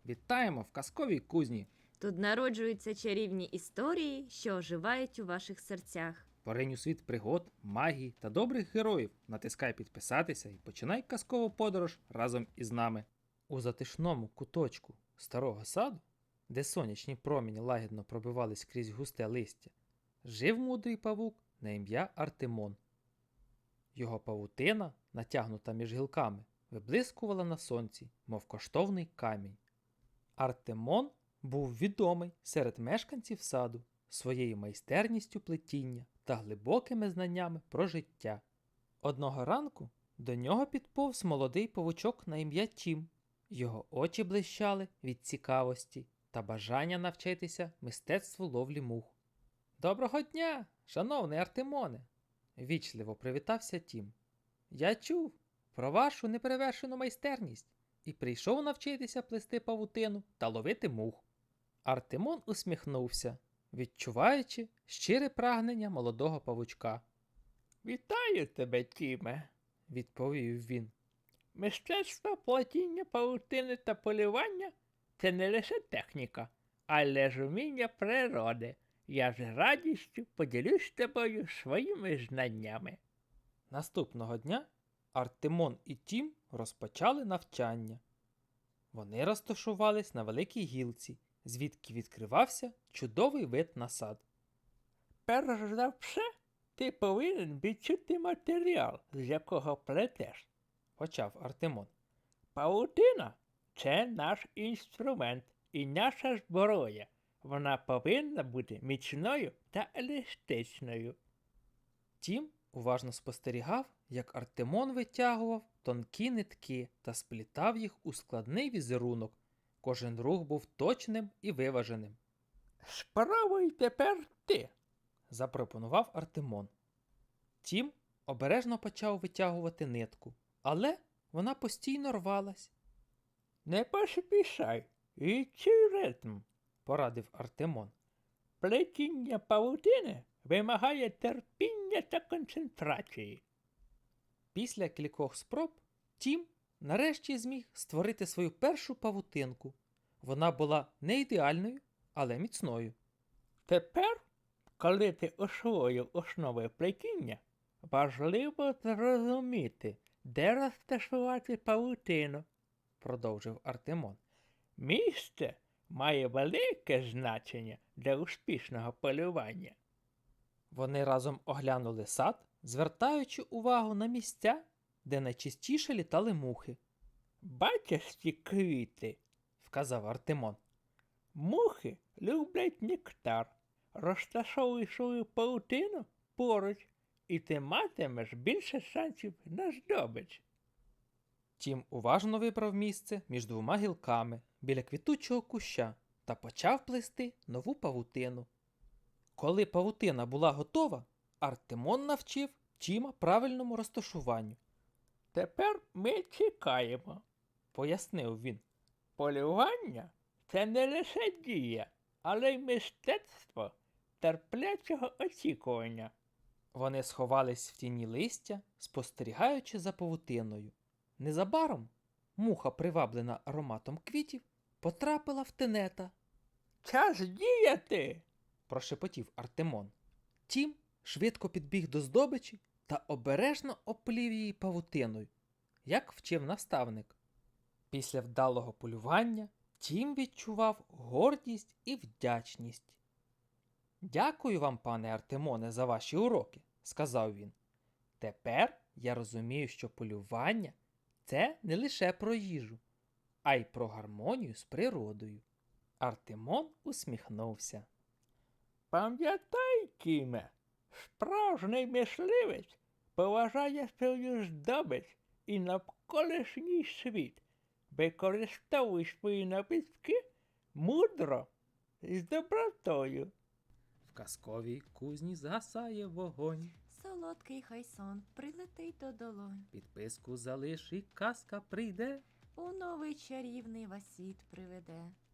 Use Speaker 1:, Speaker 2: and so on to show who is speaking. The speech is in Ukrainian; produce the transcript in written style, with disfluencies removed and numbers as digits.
Speaker 1: Вітаємо в казковій кузні!
Speaker 2: Тут народжуються чарівні історії, що оживають у ваших серцях.
Speaker 1: Поринь у світ пригод, магії та добрих героїв. Натискай підписатися і починай казкову подорож разом із нами. У затишному куточку старого саду, де сонячні промені лагідно пробивались крізь густе листя, жив мудрий павук на ім'я Артемон. Його павутина, натягнута між гілками, виблискувала на сонці, мов коштовний камінь. Артемон був відомий серед мешканців саду своєю майстерністю плетіння та глибокими знаннями про життя. Одного ранку до нього підповз молодий павучок на ім'я Тім. Його очі блищали від цікавості та бажання навчитися мистецтву ловлі мух. «Доброго дня, шановний Артемоне!» – вічливо привітався Тім. «Я чув про вашу неперевершену майстерність і прийшов навчитися плести павутину та ловити мух». Артемон усміхнувся, відчуваючи щире прагнення молодого павучка.
Speaker 3: «Вітаю тебе, Тіме!»
Speaker 1: – відповів він.
Speaker 3: «Мистецтво плетіння павутини та полювання – це не лише техніка, але ж уміння природи. Я з радістю поділюсь з тобою своїми знаннями».
Speaker 1: Наступного дня Артемон і Тім розпочали навчання. Вони розташувались на великій гілці, звідки відкривався чудовий вид на сад.
Speaker 3: «Перш за все, ти повинен відчути матеріал, з якого плетеш»,
Speaker 1: – почав Артемон.
Speaker 3: «Павутина – це наш інструмент і наша зброя. Вона повинна бути міцною та еластичною».
Speaker 1: Тім уважно спостерігав, як Артемон витягував тонкі нитки та сплітав їх у складний візерунок. Кожен рух був точним і виваженим.
Speaker 3: «Спробуй тепер ти»,
Speaker 1: – запропонував Артемон. Тім обережно почав витягувати нитку, але вона постійно рвалась.
Speaker 3: «Не поспішай, відчуй ритм»,
Speaker 1: – порадив Артемон.
Speaker 3: «Плетіння павутини вимагає терпіння та концентрації».
Speaker 1: Після кількох спроб Тім нарешті зміг створити свою першу павутинку. Вона була не ідеальною, але міцною.
Speaker 3: «Тепер, коли ти освоїв основи плетіння, важливо зрозуміти, де розташувати павутину»,
Speaker 1: – продовжив Артемон.
Speaker 3: «Місце має велике значення для успішного полювання».
Speaker 1: Вони разом оглянули сад, звертаючи увагу на місця, де найчастіше літали мухи.
Speaker 3: «Бачиш ці квіти?»
Speaker 1: – вказав Артемон.
Speaker 3: «Мухи люблять нектар. Розташовуй свою павутину поруч, і ти матимеш більше шансів на здобич».
Speaker 1: Тім уважно вибрав місце між двома гілками біля квітучого куща та почав плести нову павутину. Коли павутина була готова, Артемон навчив Тіма правильному розташуванню.
Speaker 3: «Тепер ми чекаємо»,
Speaker 1: – пояснив він.
Speaker 3: «Полювання – це не лише дія, але й мистецтво терплячого очікування».
Speaker 1: Вони сховались в тіні листя, спостерігаючи за павутиною. Незабаром муха, приваблена ароматом квітів, потрапила в тенета.
Speaker 3: «Час діяти!»
Speaker 1: – прошепотів Артемон. Тім швидко підбіг до здобичі та обережно оплів її павутиною, як вчив наставник. Після вдалого полювання Тім відчував гордість і вдячність. «Дякую вам, пане Артемоне, за ваші уроки», – сказав він. «Тепер я розумію, що полювання – це не лише про їжу, а й про гармонію з природою». Артемон усміхнувся.
Speaker 3: «Пам'ятай, Тіме, справжній мисливець поважає свою здобич і навколишній світ. Використовуй свої навички мудро і з добротою».
Speaker 1: В казковій кузні згасає вогонь.
Speaker 2: Солодкий хай сон прилетить до долонь.
Speaker 1: Підписку залиш і казка прийде.
Speaker 2: У новий чарівний вас світ приведе.